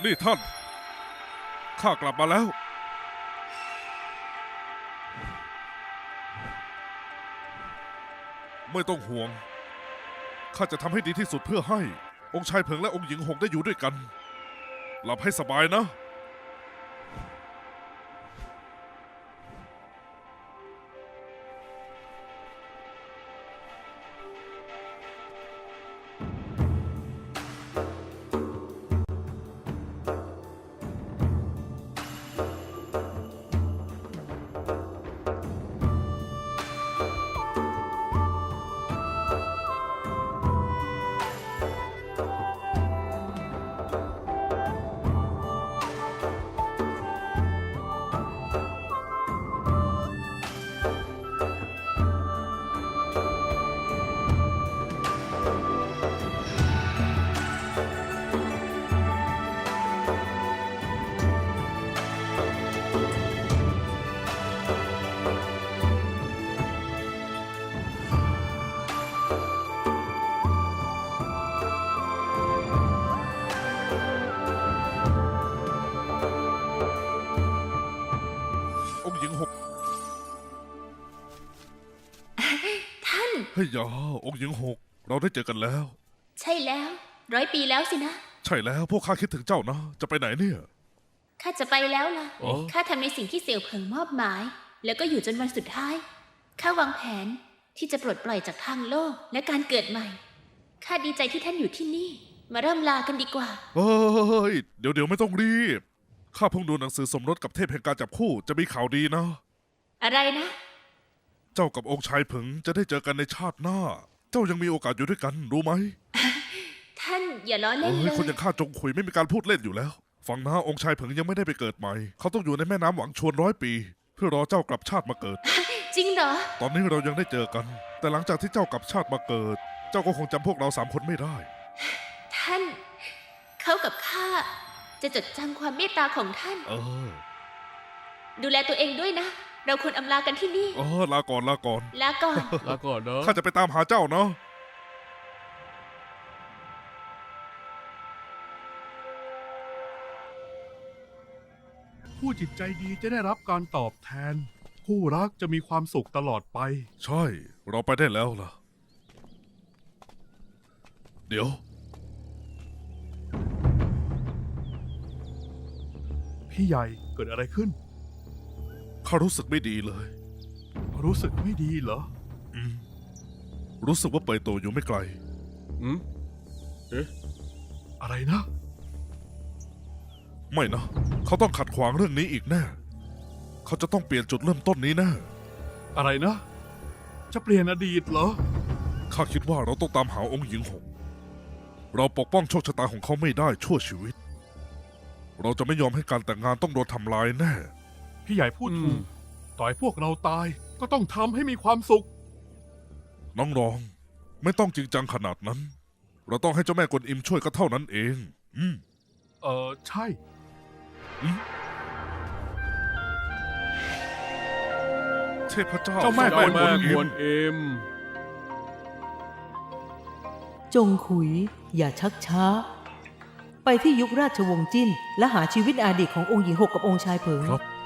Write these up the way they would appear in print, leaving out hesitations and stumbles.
นี่ท่านข้ากลับมาแล้วไม่ต้องห่วงข้าจะทำให้ดีที่สุดเพื่อให้องค์ชายเผิงและองค์หญิงหงได้อยู่ด้วยกันหลับให้สบายนะองค์หญิงหงท่านเฮ้ยยาองค์หญิงหงเราได้เจอกันแล้วใช่แล้ว100 ปีแล้วสินะใช่แล้วพวกข้าคิดถึงเจ้านะจะไปไหนเนี่ยข้าจะไปแล้วล่ะข้าทำในสิ่งที่เสี่ยวเผิงมอบหมายแล้วก็อยู่จนวันสุดท้ายข้าวางแผนที่จะปลดปล่อยจากทางโลกและการเกิดใหม่ข้าดีใจที่ท่านอยู่ที่นี่มาเริ่มลากันดีกว่าเฮ้ยเดี๋ยวไม่ต้องรีบข้าเพิ่งดูหนังสือสมรสกับเทพแห่งการจับคู่จะมีข่าวดีนะอะไรนะเจ้ากับองค์ชายเผิงจะได้เจอกันในชาติหน้าเจ้ายังมีโอกาสอยู่ด้วยกันรู้ไหมท่านอย่าล้อเล่นเลยคนอย่างข้าจงคุยไม่มีการพูดเล่นอยู่แล้วฟังนะองค์ชายเผิงยังไม่ได้ไปเกิดใหม่เขาต้องอยู่ในแม่น้ำหวังชวน100 ปีเพื่อรอเจ้ากลับชาติมาเกิดจริงเหรอตอนนี้เรายังได้เจอกันแต่หลังจากที่เจ้ากลับชาติมาเกิดเจ้าก็คงจำพวกเรา3 คนไม่ได้ท่านเขากับข้าจะจดจำความเมตตาของท่านดูแลตัวเองด้วยนะเราควรอำลากันที่นี่ลาก่อนลาก่อนลาก่อนเนอะข้าจะไปตามหาเจ้าเนาะผู้จิตใจดีจะได้รับการตอบแทนคู่รักจะมีความสุขตลอดไปใช่เราไปได้แล้วล่ะเดี๋ยวพี่ใหญ่เกิดอะไรขึ้นข้ารู้สึกไม่ดีเลยรู้สึกไม่ดีเหรอรู้สึกว่าเปยโตอยู่ไม่ไกลอะไรนะไม่นะเขาต้องขัดขวางเรื่องนี้อีกแน่เขาจะต้องเปลี่ยนจุดเริ่มต้นนี้แน่อะไรนะจะเปลี่ยนอดีตเหรอข้าคิดว่าเราต้องตามหาองค์หญิงหงเราปกป้องโชคชะตาของเขาไม่ได้ชั่วชีวิตเราจะไม่ยอมให้การแต่งงานต้องโดนทำลายแน่พี่ใหญ่พูดถูกต่อยพวกเราตายก็ต้องทำให้มีความสุขน้องรองไม่ต้องจริงจังขนาดนั้นเราต้องให้เจ้าแม่กวนอิมช่วยก็เท่านั้นเองใช่เทพเจ้าเจ้าแม่กวนอิมจงขุยอย่าชักช้าไปที่ยุคราชวงศ์จิ้นและหาชีวิตอดีตขององค์หญิงหกกับองค์ชายเผิง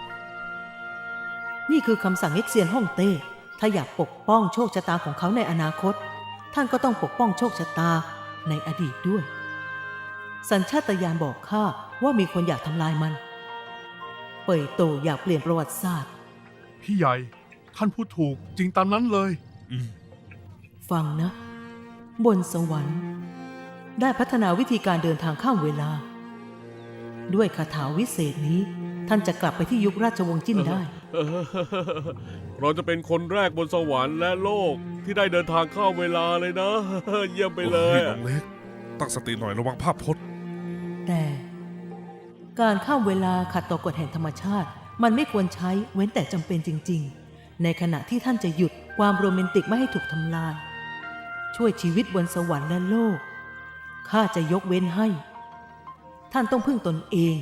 นี่คือคำสั่งเอ็กเซียนฮ่องเต้ถ้าอยากปกป้องโชคชะตาของเขาในอนาคตท่านก็ต้องปกป้องโชคชะตาในอดีตด้วยสัญชาตญาณบอกข้าว่ามีคนอยากทำลายมันเป่ยโตอยากเปลี่ยนประวัติศาสตร์พี่ใหญ่ท่านพูดถูกจริงตามนั้นเลยฟังนะบนสวรรค์ได้พัฒนาวิธีการเดินทางข้ามเวลาด้วยคาถาวิเศษนี้ท่านจะกลับไปที่ยุคราชวงศ์จิ้นได้เราจะเป็นคนแรกบนสวรรค์และโลกที่ได้เดินทางข้ามเวลาเลยนะเยี่ยมไปเลยน้องเล็กตั้งสติหน่อยระวังภาพพจน์แต่การข้ามเวลาขัดต่อกฎแห่งธรรมชาติมันไม่ควรใช้เว้นแต่จำเป็นจริงๆในขณะที่ท่านจะหยุดความโรแมนติกไม่ให้ถูกทำลายช่วยชีวิตบนสวรรค์และโลกข้าจะยกเว้นให้ท่านต้องพึ่งตนเอง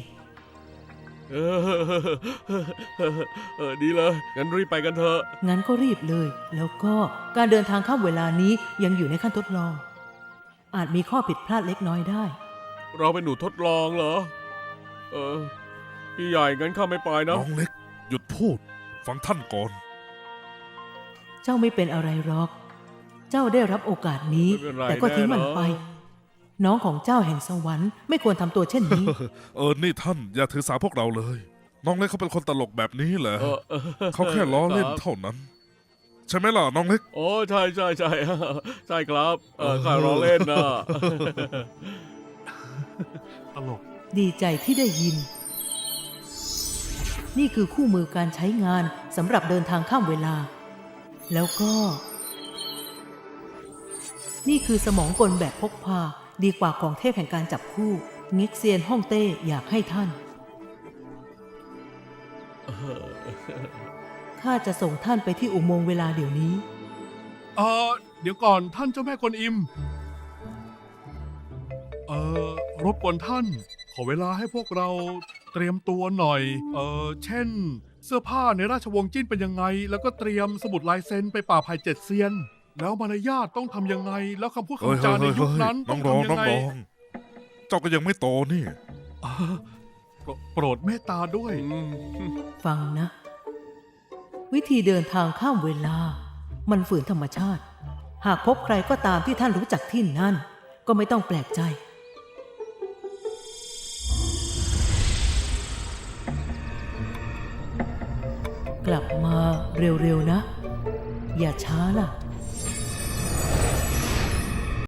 ดีเลยงั้นรีบไปกันเถอะงั้นก็รีบเลยแล้วก็การเดินทางข้ามเวลานี้ยังอยู่ในขั้นทดลองอาจมีข้อผิดพลาดเล็กน้อยได้เราเป็นหนูทดลองเหรอพี่ใหญ่งั้นข้าไม่ไปนะน้องเล็ก หยุดพูด ฟังท่านก่อนเจ้าไม่เป็นอะไรหรอก เจ้าได้รับโอกาสนี้ไม่เป็นไรแต่ก็ทิ้งมันแน่นะไป น้องของเจ้าแห่งสวรรค์ไม่ควรทำตัวเช่นนี้นี่ท่านอย่าถือสาพวกเราเลย น้องเล็กเขาเป็นคนตลกแบบนี้แหละเออเขาแค่ล้อเล่นครับเท่านั้น ใช่ไหมล่ะน้องเล็กโอ้ใช่ใช่ใช่ ใช่ครับข้ารอเล่นนะตลกดีใจที่ได้ยิน นี่คือคู่มือการใช้งานสำหรับเดินทางข้ามเวลา แล้วก็ นี่คือสมองกลแบบพกพาดีกว่าของเทพแห่งการจับคู่งิกเซียนฮ่องเต้อยากให้ท่าน ข้าจะส่งท่านไปที่อุโมงค์เวลาเดี๋ยวนี้เดี๋ยวก่อนท่านเจ้าแม่กวนอิม รบกวนท่าน ขอเวลาให้พวกเราเตรียมตัวหน่อย เช่น เสื้อผ้าในราชวงศ์จิ้นเป็นยังไง แล้วก็เตรียมสมุดลายเซ็นไปป่าไผ่เจ็ดเซียน แล้วมารยาทต้องทำยังไง แล้วคำพูดเฮ้ยคำจาในยุคนั้นน้ต้ออง งรองทำยัน้องงไงรอง เจ้าก็ยังไม่โตนี่โปรดเมตตาด้วยฟังนะ วิธีเดินทางข้ามเวลา มันฝืนธรรมชาติ หากพบใครก็ตามที่ท่านรู้จักที่นั่น ก็ไม่ต้องแปลกใจ กลับมาเร็วๆนะ อย่าช้าล่ะ